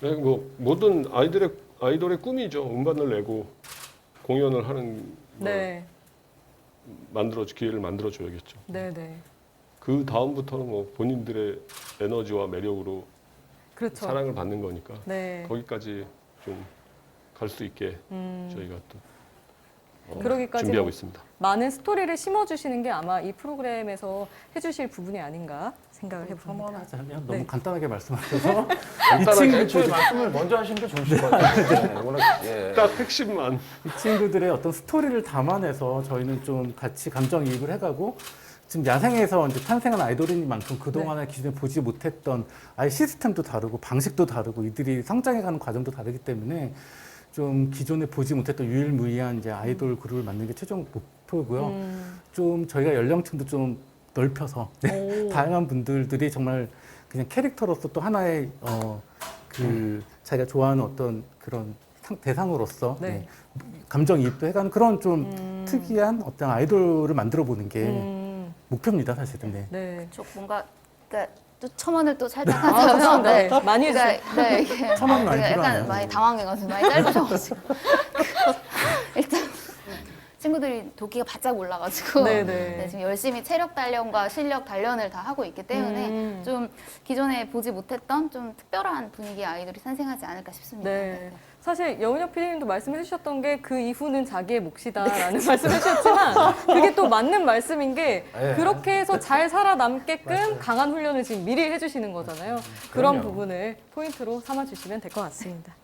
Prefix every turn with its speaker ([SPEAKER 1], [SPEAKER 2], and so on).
[SPEAKER 1] 네, 뭐 모든 아이돌의 꿈이죠. 음반을 내고 공연을 하는
[SPEAKER 2] 네.
[SPEAKER 1] 기회를 만들어 줘야겠죠.
[SPEAKER 2] 네네.
[SPEAKER 1] 그 다음부터는 뭐 본인들의 에너지와 매력으로
[SPEAKER 2] 그렇죠.
[SPEAKER 1] 사랑을 받는 거니까
[SPEAKER 2] 네.
[SPEAKER 1] 거기까지 좀 갈 수 있게 저희가 또
[SPEAKER 2] 그러기까지
[SPEAKER 1] 준비하고
[SPEAKER 2] 뭐
[SPEAKER 1] 있습니다.
[SPEAKER 2] 많은 스토리를 심어주시는 게 아마 이 프로그램에서 해주실 부분이 아닌가 생각을 해봅니다.
[SPEAKER 3] 첨언하자면
[SPEAKER 2] 네.
[SPEAKER 3] 너무 간단하게 말씀하셔서
[SPEAKER 4] 간단하게 애초에
[SPEAKER 3] 친구들,
[SPEAKER 4] 말씀을 먼저 하시는 게 좋으실 것 같아요. 워낙, 예.
[SPEAKER 1] 딱 핵심만.
[SPEAKER 3] 이 친구들의 어떤 스토리를 담아내서 저희는 좀 같이 감정이입을 해가고 지금 야생에서 이제 탄생한 아이돌이니만큼 그동안에 기존에 보지 못했던 아예 시스템도 다르고 방식도 다르고 이들이 성장해가는 과정도 다르기 때문에 좀 기존에 보지 못했던 유일무이한 이제 아이돌 그룹을 만드는 게 최종 목표고요. 좀 저희가 연령층도 좀 넓혀서 네,
[SPEAKER 2] 오.
[SPEAKER 3] 다양한 분들이 정말 그냥 캐릭터로서 또 하나의 자기가 좋아하는 어떤 그런 대상으로서
[SPEAKER 2] 네.
[SPEAKER 3] 네, 감정이입도 해가는 그런 좀 특이한 어떤 아이돌을 만들어 보는 게 목표입니다, 사실은. 네.
[SPEAKER 2] 네.
[SPEAKER 5] 좀 뭔가 그러니까 또 첨언을 또 살짝
[SPEAKER 2] 아,
[SPEAKER 5] 하자면
[SPEAKER 2] 죄송합니다. 네. 많이 해주세요.
[SPEAKER 5] 그러니까, 네, 이게
[SPEAKER 3] 첨언이 많이
[SPEAKER 5] 제가
[SPEAKER 3] 필요하네요.
[SPEAKER 5] 약간 많이 당황해가지고 많이 짧으셔가지고 일단 친구들이 도끼가 바짝 올라가지고
[SPEAKER 2] 네네.
[SPEAKER 5] 네, 지금 열심히 체력 단련과 실력 단련을 다 하고 있기 때문에 좀 기존에 보지 못했던 좀 특별한 분위기의 아이돌이 산생하지 않을까 싶습니다.
[SPEAKER 2] 네. 사실 여은혁 PD님도 말씀해 주셨던 게 그 이후는 자기의 몫이다라는 말씀을 해주셨지만 그게 또 맞는 말씀인 게
[SPEAKER 4] 네.
[SPEAKER 2] 그렇게 해서 잘 살아남게끔 강한 훈련을 지금 미리 해주시는 거잖아요. 그런
[SPEAKER 4] 그럼요.
[SPEAKER 2] 부분을 포인트로 삼아주시면 될 것 같습니다.